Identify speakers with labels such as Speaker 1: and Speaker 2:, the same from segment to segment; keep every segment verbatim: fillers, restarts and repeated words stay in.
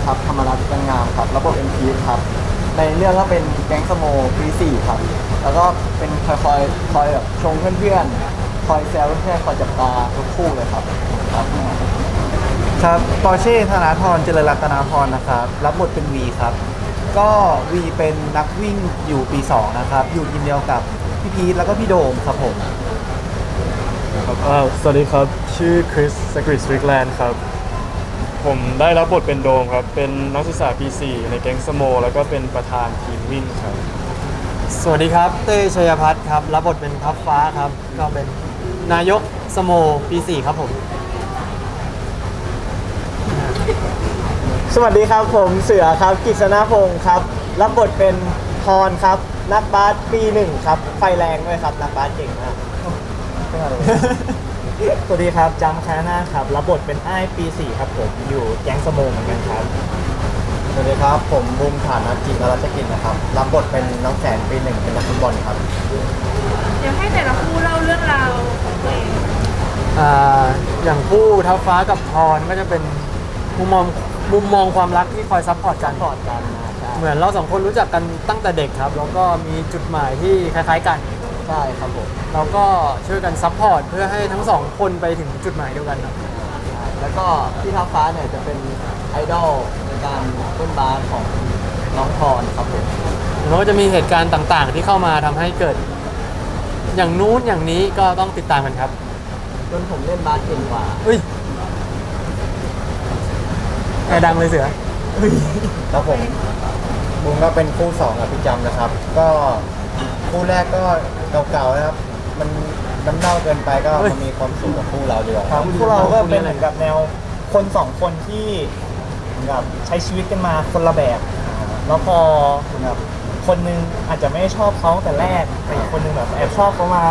Speaker 1: ครับธรรมรัตน์จันงามครับรับบทเป็นพีทครับในเรื่องก็เป็นแก๊งสโมปีสี่ครับแล้วก็เป็นคอยคอยคอยแบบชงเพื่อนๆคอยแซวเพื่อนๆคอยจับตาทุกคู่เลยครับครับ
Speaker 2: ครับปอร์เช่ธนาธรเจริญรัตนาพรนะครับรับบทเป็นวีครับก็วีเป็นนักวิ่งอยู่ปีสองนะครับอยู่ทีมเดียวกับพี่พีทแล้วก็พี่โดมครับผม
Speaker 3: ครับอ่าสวัสดีครับ ชื่อคริสสกริตสตริกแลนด์ครับ ผมได้รับบทเป็นโดมครับ เป็นนักศึกษาปี สี่ ในแก๊งสโม แล้วก็เป็นประธานทีมวิ่งครับ
Speaker 4: สวัสดีครับเต้ชัยพัฒน์ครับรับบทเป็นทัพฟ้าครับก็เป็นนายกสโมปีสี่ครับผม
Speaker 1: สวัสดีครับผมเสือครับกิษณพงศ์ครับรับบทเป็นพรครับนักบาสปีหนึ่งครับไฟแรงด้วยครับนักบาสเก่งมาก
Speaker 2: สวัสดีครับจำคาน่าครับรับบทเป็นไอ้ายปีสี่ครับผมอยู่แก๊งสโมเหมือนกันครับ
Speaker 1: สวัสดีครับผมบูมฐานะจิตรัชกินนะครับรับบทเป็นน้องแสนปีหนึ่งเป็นนักฟุตบอลครับ
Speaker 5: เดี๋ยวให้แต่ละคู่เล่าเรื่องราวของตัวเอง
Speaker 4: อ่าอย่างคู่ทัพฟ้ากับพรก็จะเป็นมุมมองมุมมองความรักที่คอยซัพพอร์ตกัน
Speaker 1: กอดกันนะใช่
Speaker 4: เหมือนเราสองคนรู้จักกันตั้งแต่เด็กครับแล้วก็มีจุดหมายที่คล้ายๆกัน
Speaker 1: ใช่ครับผม
Speaker 4: เราก็ช่วยกันซัพพอร์ตเพื่อให้ทั้งสองคนไปถึงจุดหมายเดียวกันครับ
Speaker 1: ใช่แล้วก็พี่ท้าฟ้าเนี่ยจะเป็นไอดอลในการเล่นบาสของน้องพรครับผม
Speaker 4: แล้วก็จะมีเหตุการณ์ต่างๆ ที่เข้ามาทำให้เกิด อย่างนู้นอย่างนี้ก็ต้องติดตามกันครับ
Speaker 1: จนผมเล่นบาสเก่งกว่า
Speaker 4: เฮ้ยแอร์ดังเลยเสือ
Speaker 1: ครับผมบูมก็เป็นคู่สองกับพี่จำนะครับ ก็คู่แรกก็เก่าๆนะครับ มันน้ำเน่าเกินไปก็
Speaker 4: เฮ้ย
Speaker 1: มามีความสุขกับคู่เราดีกว่า
Speaker 2: ครับพวกเราก็เป็นเหมือนกับแนวคนสองคนที่เหมือนกับใช้ชีวิตกันมาคนละแบบ แล้วพอเหมือนกับคนหนึงอาจจะไม่ได้ชอบเขาตั้งแต่แรกแต่อีกคนหนึงแบบแอบชอบเขามา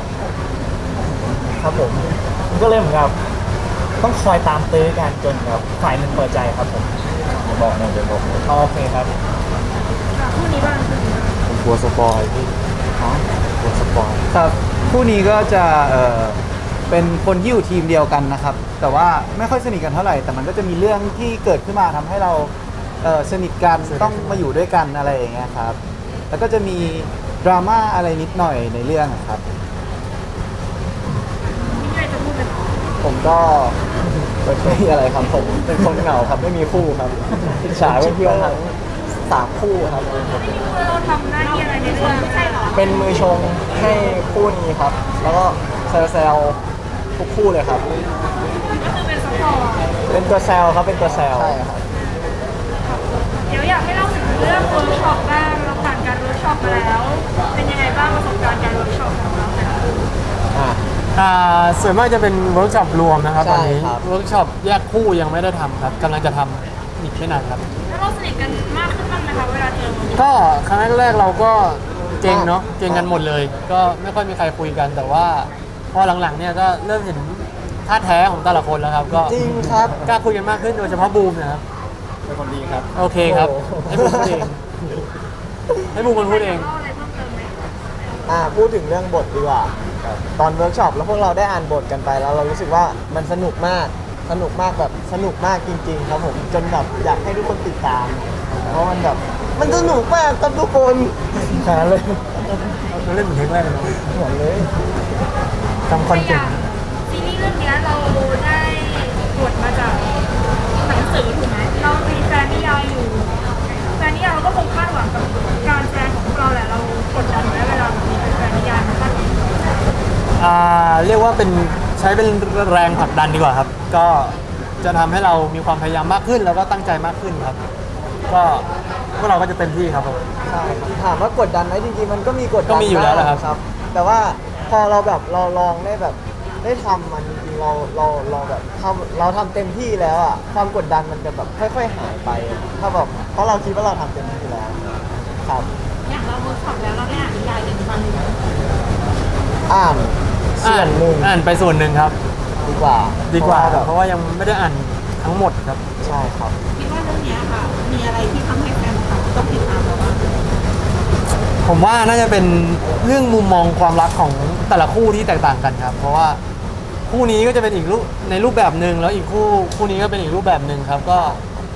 Speaker 2: ครับผมมันก็เลยเหมือนกับต้องคอยตามตื้อกันจนแบบฝ่ายหนึ่งเปิดใจครับผม
Speaker 1: อย่าบอกนะอย่าบอก
Speaker 2: อ๋อโอเคครับ
Speaker 5: คู่นี้บ้างคู่นี้บ้าง
Speaker 3: ผมกลัวสปอยพี่กลัวสปอย
Speaker 2: ครับคู่นี้ก็จะเอ่อเป็นคนที่อยู่ทีมเดียวกันนะครับ แต่ว่าไม่ค่อยสนิทกันเท่าไหร่แต่มันก็จะมีเรื่องที่เกิดขึ้นมาทำให้เราเอ่อสนิทกันต้องมาอยู่ด้วยกันอะไรอย่างเงี้ยครับแล้วก็จะมีดราม่าอะไรนิดหน่อยในเรื่องครับ
Speaker 5: มีอะไรจะพูดไหม
Speaker 1: ผมก็ไม่มีอะไรครับผมเป็นคนเหงาครับไม่มีคู่ครับอิจฉาเพื่อนๆทั้งสามคู่ครับ
Speaker 5: เราทำหน้าที่อะไรในเรื่องไม่ใช่หรอ
Speaker 1: เป็นมือชงให้คู่นี้ครับ แล้วก็แซวๆทุกคู่เลยครับ
Speaker 5: ก็คือเป็นซัพพอร์ต
Speaker 1: เป็นตัวแซวครับเป็นตัวแซวใช่ครับ
Speaker 5: เดี๋ยวอยากให้เล่าถึงเรื่องเวิร์กช็อปบ้างเราผ่านการเวิร์กช็อปมาแล้ว เป็นยังไงบ้างประสบการณ์การเวิร์กช็อปของเราแต่ละคู่
Speaker 1: อ่า
Speaker 4: อ่าส่วนมากจะเป็นเวิร์กช็อปรวมนะครับ
Speaker 1: ใช่
Speaker 4: ตอนนี้
Speaker 1: ครับ
Speaker 4: เวิร์กช็อปแยกคู่ยังไม่ได้ทำครับกำลังจะทำอีกไม่นานครับ
Speaker 5: แล้วเราสนิทกันมากขึ้นบ้างไหมคะเวลาเจอ
Speaker 4: ก็ครั้งแรกๆเราก็เก่งเนาะเก่งกันหมดเลย ก็ไม่ค่อยมีใครคุยกัน แต่ว่าพอหลังๆเนี่ยก็เริ่มเห็นท่าแท้ของแต่ละคนแล้วครับ ก็
Speaker 1: จริงครับ
Speaker 4: กล้าคุยกันมากขึ้นโดยเฉพาะบูมนะครับ
Speaker 1: เป็นคนดีครับ
Speaker 4: โอเคครับ
Speaker 1: โอ้โห
Speaker 4: ให้บูมพูดเองให้บูมมันพูดเอง
Speaker 5: เล่าอะไรเพิ่มเติมไหม
Speaker 1: อ่าพูดถึงเรื่องบทดีกว่าตอนเวิร์กช็อปแล้วพวกเราได้อ่านบทกันไปแล้วเรารู้สึกว่ามันสนุกมากสนุกมากแบบสนุกมากจริง ๆ ครับผมจนแบบอยากให้ทุกคนติดตาม เพราะมันแบบมันสนุกมากครับทุกคนหาเลย
Speaker 4: เราเล่นเหมือนเพลงแรกเลยเนาะ
Speaker 1: เหมือนเลย
Speaker 4: ทำคอนเทนต์
Speaker 5: ซีรีส์เรื่องนี้เราได้บทมาจากหนังสือถูกไหมเรามีแฟนนิยายอยู่แฟนนิยายเราก็คงคาดหวังกับการแสดงของพวกเราแหละเรากดดันไหมเวลาแบบมีแฟนนิยายมาคาดหวัง
Speaker 4: อ่าเรียกว่าเป็นใช้เป็นแรงผลักดันดีกว่าครับ ก็จะทำให้เรามีความพยายามมากขึ้นแล้วก็ตั้งใจมากขึ้นครับ ก็พวกเราก็จะเต็มที่ครับผม
Speaker 1: ใช่ครับถามว่ากดดันไหมจริงๆมันก็มีกดดัน
Speaker 4: ก็มีอยู่แล้วแหละครับ
Speaker 1: างครับ แต่ว่าพอเราแบบเราลองได้แบบได้ทำมันจริงๆเราเราเราแบบทำเราทำเต็มที่แล้วอ่ะความกดดันมันจะแบบค่อย ๆ หายไป ถ้าแบบเพราะเราคิดว่าเราทำเต็มที่แล้วครับ
Speaker 5: อย่างเราเวิร์กช็อปแล้วเราได้อ่านนิยายกันบ้างหรือยัง
Speaker 1: อ่านส่วนหนึ่ง
Speaker 4: อ่านไปส่วนหนึ่งครับ
Speaker 1: ดีกว่า
Speaker 4: ดีกว่า
Speaker 1: เพ
Speaker 4: เพ
Speaker 1: ราะ
Speaker 4: ราะว่ายังไม่ได้อ่านทั้งหมดครับ
Speaker 1: ใช่ครับ
Speaker 5: คิดว่าเรื่องนี้ค่ะ มีอะไรที่ทำให้แฟนคลับต้องติดตามเราบ้าง
Speaker 4: ผมว่าน่าจะเป็นเรื่องมุมมองความรักของแต่ละคู่ที่แตกต่างกันครับ เพราะว่าคู่นี้ก็จะเป็นอีกรูปในรูปแบบหนึ่งแล้วอีกคู่คู่นี้ก็เป็นอีกรูปแบบหนึ่งครับ ก็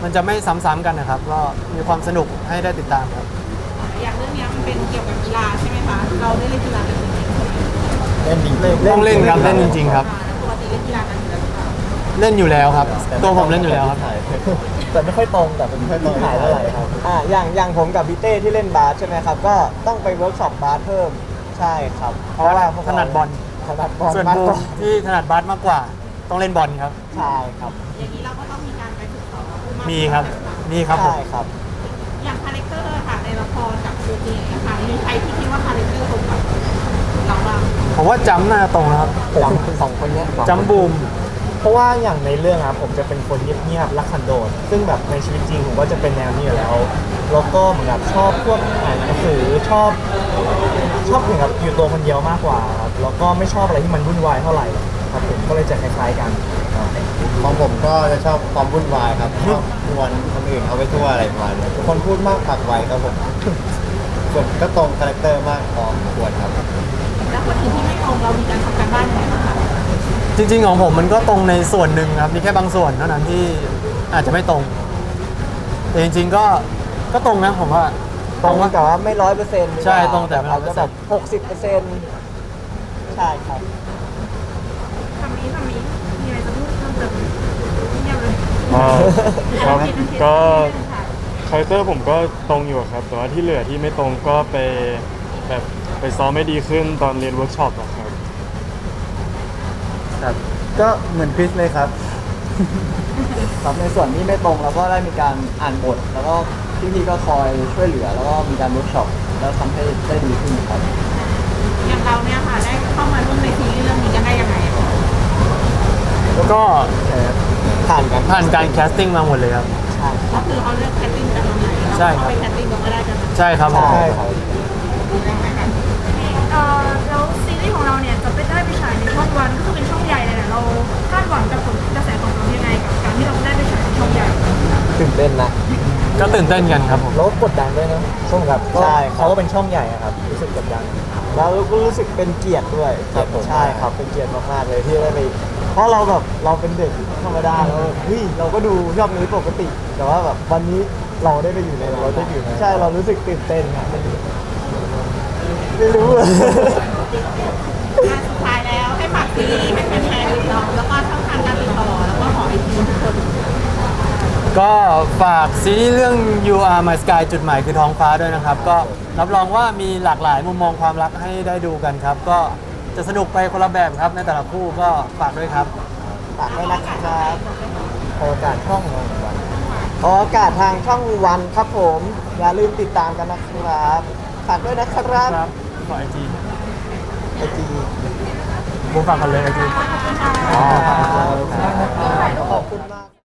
Speaker 4: มันจะไม่ซ้ำๆกันนะครับ ก็มีความสนุกให้ได้ติดตามครับ
Speaker 5: อย่างเรื่องเนี้ยมันเป็นเกี่ยวกับกีฬาใช่ไหมคะ เราได้เล่นกีฬากันจริงๆ
Speaker 1: เล่นจริง
Speaker 4: ต้องเล่นครับเล่นจริงๆครับ
Speaker 5: แล้วปกติเล่นกีฬากันอยู่แล้วหรือเปล่า
Speaker 4: เล่นอยู่แล้วครับ ตัวผมเล่นอยู่แล้วครับ
Speaker 1: แต่ไม่ค่อยตรงแต่ไม่ค่อยตรงถ่ายเท่าไหร่ครับอ่าอย่างอย่างผมกับพี่เต้ที่เล่นบาสใช่ไหมครับ ก็ต้องไปเวิร์กช็อปบาสเพิ่มใช่ครับ
Speaker 4: เพราะว่าถนัดบอล
Speaker 1: ถนัดบอล
Speaker 4: ส่วน
Speaker 1: มาก
Speaker 4: บู
Speaker 1: ก
Speaker 4: ม
Speaker 1: ว่า
Speaker 4: ที่ถนัดบาสมากกว่า ต้องเล่นบอลครับ
Speaker 1: ใช่ครับ
Speaker 5: อย่างนี้เราก็ต้องมีการไปฝึกซ้อมาก
Speaker 4: มีครับมีครับผม
Speaker 1: ใช่ครับ
Speaker 5: อย่างคาแรคเตอร์ค่ะในละครกับตัวจริงอะค่ะมีใครที่คิดว่าคาแรคเตอร์ตรงกับเราบ้าง
Speaker 4: ผมว่าจำน่าจะตรงนะครับ
Speaker 1: จำสองคนเนี้ย
Speaker 4: จำบูม
Speaker 6: เพราะว่าอย่างในเรื่องอะผมจะเป็นคนเงียบๆรักขันโดษซึ่งแบบในชีวิตจริงผมก็จะเป็นแนวนี้อยู่แล้ว แล้วก็เหมือนกับชอบพวกอ่านหนังสือชอบชอบเหมือนกับอยู่ตัวคนเดียวมากกว่าครับแล้วก็ไม่ชอบอะไรที่มันวุ่นวายเท่าไหร่ครับผมก็เลยจะคล้ายๆกัน
Speaker 7: ของผมก็จะชอบความวุ่นวายครับชอบกวนคนอื่นเขาไปทั่วอะไรประมาณนี้เป็นคนพูดมากปากไวครับผม ส่วนก็ตรงคาแรคเตอร์มากพอสมควรครับ
Speaker 5: แล้วคนอื่นที่ไม่ตรงเรามีการทำการบ้านยังไงบ้างคะ
Speaker 4: จริงๆของผมมันก็ตรงในส่วนหนึ่งครับ มีแค่บางส่วนเท่านั้นที่อาจจะไม่ตรง แต่จริงๆก็ก็ตรงนะผมว่า
Speaker 1: ตรงแต่ว่าไม่ร้อยเปอร์เซ็นต์
Speaker 4: ใช่ตรงแต่ไม่
Speaker 1: อาจจะแบบ
Speaker 4: ร้อยเปอร์เซ็นต์
Speaker 1: หกสิบเปอร์เซ็นต์ใช่ครับ
Speaker 5: ทำนี้ทำนี้มีอะไรจะพูดเพิ่มเติมไหมเงียบเลย
Speaker 3: อ่าครับก็
Speaker 5: ค่ะ
Speaker 3: คาแรคเตอร์ผมก็ตรงอยู่ครับ แต่ว่าที่เหลือที่ไม่ตรงก็ไปแบบไปซ้อมไม่ดีขึ้นตอนเรียนเวิร์กช็อปอะครับ
Speaker 2: ครับก็เหมือนคริสเลยครับ ครับในส่วนที่ไม่ตรงเราก็ได้มีการอ่านบท แล้วก็พี่ๆก็คอยช่วยเหลือ แล้วก็มีการเวิร์กช็อปแล้วทำให้ได้ดีขึ้นครับ
Speaker 5: อย่างเราเนี่ยค่ะได้เข้ามาร่วมในซีรีส์เรื่องนี้กันได้ยังไงอะคะ
Speaker 4: แล้วก็
Speaker 1: ผ่านกัน
Speaker 4: ผ่านการแคสติ้งมาหมดเลยครับ
Speaker 5: ก็คือเอาเรื่องแคสติ้งจากตรงไหนเรา
Speaker 4: ใช่ครับ
Speaker 5: เอาไปแคสติ้งตรงก็ได้กัน
Speaker 4: ใช่ครับผม
Speaker 1: ใช่ครับ
Speaker 5: เอ่อแล้วซีรีส์ของเราเนี่ยจะไปได้ไปฉายในช่องวันก็คือเป็นช่องใหญ่เลยแหละเราคาดหวังกับผลกระแสตอบรับยังไงกับการที่เราได้ไปฉายในช่องใหญ่
Speaker 1: ตื่นเต้นนะ
Speaker 4: ก็ตื่นเต้นกันครับผม
Speaker 6: แล้วก็กดดันด้วยนะช่วงกับก็
Speaker 1: ใช่ครับ
Speaker 6: เขาก็เป็นช่องใหญ่อะครับรู้สึกกดดัน
Speaker 1: แล้วก็รู้สึกเป็นเกียรติด้วย
Speaker 6: ครับผม
Speaker 1: ใช่ครับเป็นเกียรติมากๆเลยที่ได้ไปเพราะเราแบบเราเป็นเด็กธรรมดาแล้วเฮ้ยเราก็ดูชอบนี้ปกติ แต่ว่าแบบวันนี้เราได้ไปอยู่ในเราได้อยู่ในใช่เรารู้สึกตื่นเต้นครับไม่รู้อะ
Speaker 5: งานสุดท้ายแล้วให้ฝากซีรีส์ให้แฟนๆติดตามแล้วก็ช่องทางการติดต่อแล้วก็ขอไอทีทุกคน
Speaker 4: ก็ฝากซีรีส์เรื่อง You Are My Sky จุดหมายคือท้องฟ้าด้วยนะครับ ก็รับรองว่ามีหลากหลายมุมมองความรักให้ได้ดูกันครับ ก็จะสนุกไปคนละแบบครับในแต่ละคู่ก็ฝากด้วยครับ
Speaker 1: ฝากด้วยนะครับ
Speaker 6: โอกาสช่องของวัน
Speaker 1: ออกอากาศทางช่องวันครับผม อย่าลืมติดตามกันนะครับฝากด้วยนะครับ
Speaker 4: ครับขอไอจี
Speaker 1: ไอจี
Speaker 4: บูมฝากกันเลยไอจี
Speaker 1: อ๋อขอบคุณมาก